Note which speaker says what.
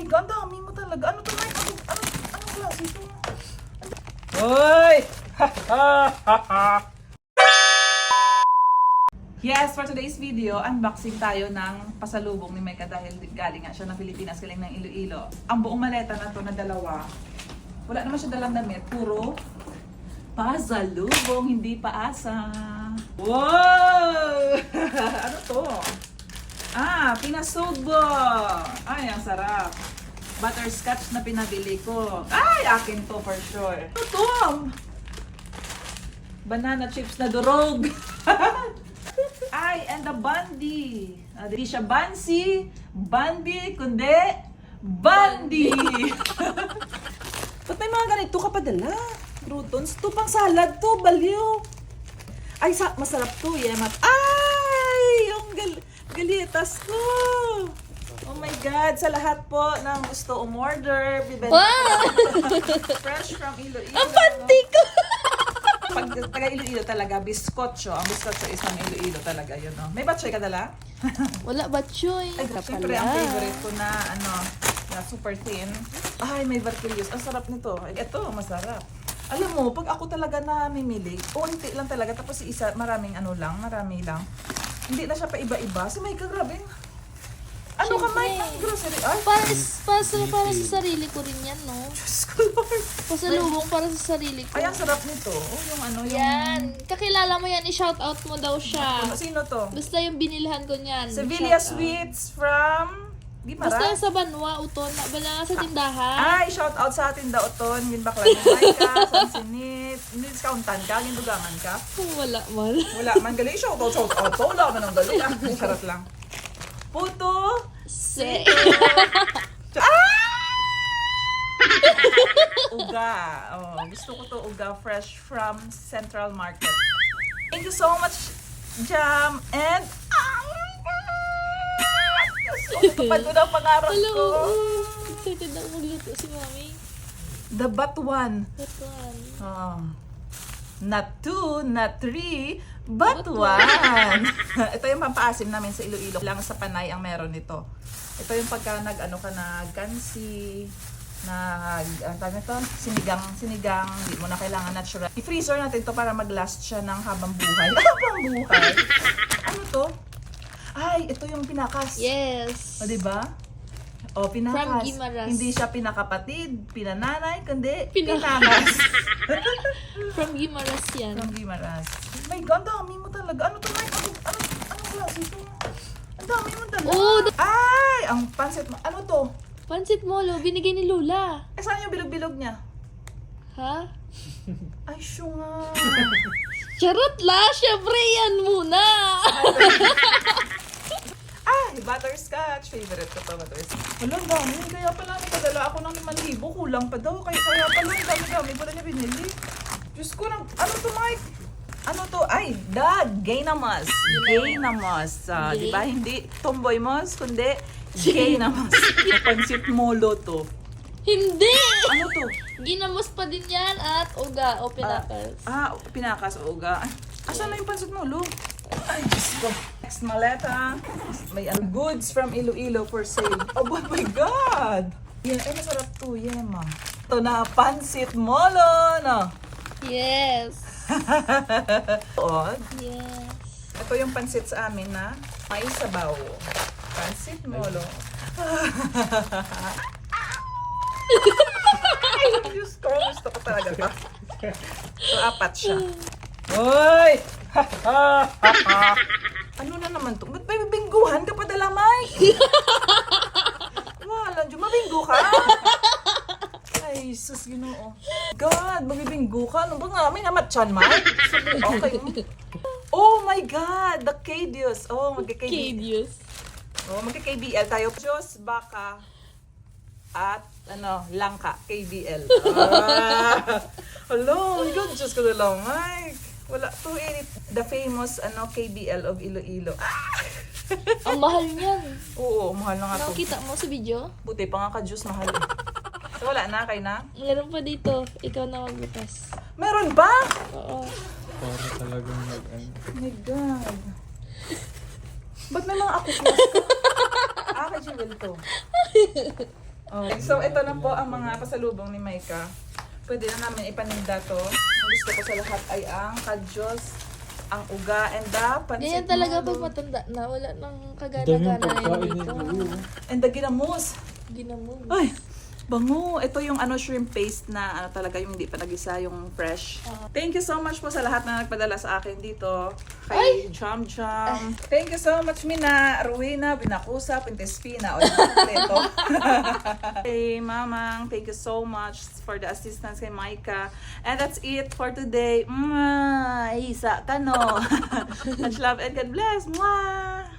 Speaker 1: God, dami mo talaga. Ano to, Mike? Anong klase ito? Hoy! Yes, for today's video, unboxing tayo ng pasalubong ni Micah dahil galing nga siya ng Pilipinas, galing ng Iloilo. Ang buong maleta na to na dalawa, wala naman siya dalang damit, puro pasalubong, hindi paasa. Wow! Ano to? Pinasubo! Ay, ang sarap. Butterscotch na pinabili ko. Ay, akin to for sure. Ano to? Banana chips na durog. Ay, and the Bandi. Hindi siya Bansi, Bandi, kundi Bandi. Ba't may mga ganito ka padala? Croutons? To pang salad to, baliw. Ay, masarap to, yemat. Ay, yung galitas ko. Oh my God, sa lahat po ng gusto umorder, bibenta fresh from Iloilo.
Speaker 2: Ang panty ko!
Speaker 1: Pag taga Iloilo talaga, biskotso. Ang biskotso is ng Iloilo talaga, yun, no? May batchoy ka dala?
Speaker 2: Wala ba, Choy?
Speaker 1: Ay, siyempre, ang favorite ko na, na super thin. Ay, may Barquillos. Ang sarap nito. Ay, ito, masarap. Alam mo, pag ako talaga namimili, unti lang talaga, tapos si isa, marami lang. Hindi na siya pa iba-iba. Si Micah, grabe. Ano ka, Mike? Ang grocery? Ay,
Speaker 2: Para sa sarili ko rin yan, no?
Speaker 1: Diyos ko, Lord.
Speaker 2: Pasalubong para sa sarili ko.
Speaker 1: Ay, ang sarap nito. Oh, yung
Speaker 2: Yan. Kakilala mo yan, i-shoutout mo daw siya.
Speaker 1: Sino to?
Speaker 2: Basta yung binilhan ko niyan.
Speaker 1: Sevilla
Speaker 2: Shoutout.
Speaker 1: Sweets from Guimaras.
Speaker 2: Basta yung sa Banwa, Uton. Bala sa tindahan.
Speaker 1: Ay, shout out sa atin daw Oton, yun bakla ni Micah, Sansinit, discountan ka, gindugangan ka.
Speaker 2: Wala man.
Speaker 1: Wala man galing, shout out, wala man ang galing. Charot lang. Puto, uga. Oh, gusto ko to uga, fresh from Central Market. Thank you so much, Jam, and natupad ko na ang pangarap
Speaker 2: Hello.
Speaker 1: ko.
Speaker 2: Excited ako magluto si Mami.
Speaker 1: The Batuan.
Speaker 2: That one.
Speaker 1: Oh. Not two, not three, but one. Ito yung pampaasim namin sa Iloilo. Lang sa Panay ang meron nito. Ito yung pagka nag-kansi, sinigang, hindi mo na kailangan natural. I-freezer natin to para mag-last siya ng habang buhay. Habang buhay? Ano to? Ay, ito yung pinakas.
Speaker 2: Yes.
Speaker 1: O, diba? O, pinakas.
Speaker 2: From Guimaras.
Speaker 1: Hindi siya pinakapatid, pinananay, kundi
Speaker 2: Pinakas.
Speaker 1: pinakas.
Speaker 2: From Guimaras yan.
Speaker 1: From Guimaras. My God, dami mo talaga. Ano to, Mike? Anong klase ito? Ang dami mo talaga.
Speaker 2: Oh,
Speaker 1: Ay, ang pansit mo. Ano to?
Speaker 2: Pansit Molo, binigay ni Lola.
Speaker 1: Eh, saan yung bilog-bilog niya?
Speaker 2: Ha?
Speaker 1: Ay, siyo nga.
Speaker 2: Charot la! Siyempre yan muna!
Speaker 1: Ay, butterscotch. Favorite ko to, butterscotch. Wala, ang dami. Kaya pala nagpadala ako ng 5,000. Kulang pa daw. Kaya pala ang dami-dami pala niya binili. Diyos ko, ano to, Mike? Ano to? Ay, Gainamos. Gainamos. Di ba? Hindi tomboy mos, kundi Gainamos. Pansit Molo to.
Speaker 2: Hindi!
Speaker 1: Ano to?
Speaker 2: Ginamos pa din yan at uga o pinakas.
Speaker 1: Pinakas o uga. Asan na yung pansit Molo? Ay, Diyos ko. Next maleta. May goods from Iloilo for sale. Oh my God! Yan, ay masarap to, Yema. Ito na, pansit Molo, no?
Speaker 2: Yes.
Speaker 1: Odd.
Speaker 2: Yes.
Speaker 1: Ito yung pansit sa amin na may sabaw. Pansit Molo. Ay, Diyos ko. Gusto ko talaga ito. So, 4 siya. Hoy! Ano na naman to? Ba't may bingguhan ka pa dala, Mike? Wala, Diyo. Mabinggo ka? Ay, sus, Ginoo. God, mabibinggo ka. Ano ba nga? May namatchan, Mike? Okay. Oh my God! The Cadius. Oh,
Speaker 2: Cadius.
Speaker 1: magka-KBL tayo. Diyos, baka, at langka, KBL. Hello, my God, Diyos ko na lang, Mike. Wala, 280, the famous KBL of Iloilo.
Speaker 2: Ang mahal niyan.
Speaker 1: Oo, mahal na nga to.
Speaker 2: Nakita mo sa video?
Speaker 1: Buti pa nga ka-Diyos, mahal. So, wala na, kay na?
Speaker 2: Meron pa dito. Ikaw na magbukas.
Speaker 1: Meron ba?
Speaker 2: Oo.
Speaker 3: Para talagang
Speaker 1: Oh my God. Ba't may mga ako class ka? Kay Jewel to. Okay, so ito na po ang mga pasalubong ni Maika. Pwede na namin ipaninda to. Ang gusto ko sa lahat ay ang kadyos, ang uga, and the pansit
Speaker 2: Ganyan talaga
Speaker 1: molo.
Speaker 2: pag matanda na. Wala nang
Speaker 3: Dami yung
Speaker 2: kagana-gana
Speaker 3: pagkain
Speaker 2: dito.
Speaker 3: nila.
Speaker 1: And the ginamos.
Speaker 2: Ginamog.
Speaker 1: Ay, bango. Ito yung shrimp paste na talaga yung hindi pa nagisa, yung fresh. Thank you so much po sa lahat na nagpadala sa akin dito. Kay Jam Jam. Thank you so much, Mina, Rowena, Binakusa, Pintespina. O, kompleto. Hey, Mamang, thank you so much for the assistance kay Maika. And that's it for today. Isa ka no. Much love and God bless. Mwah!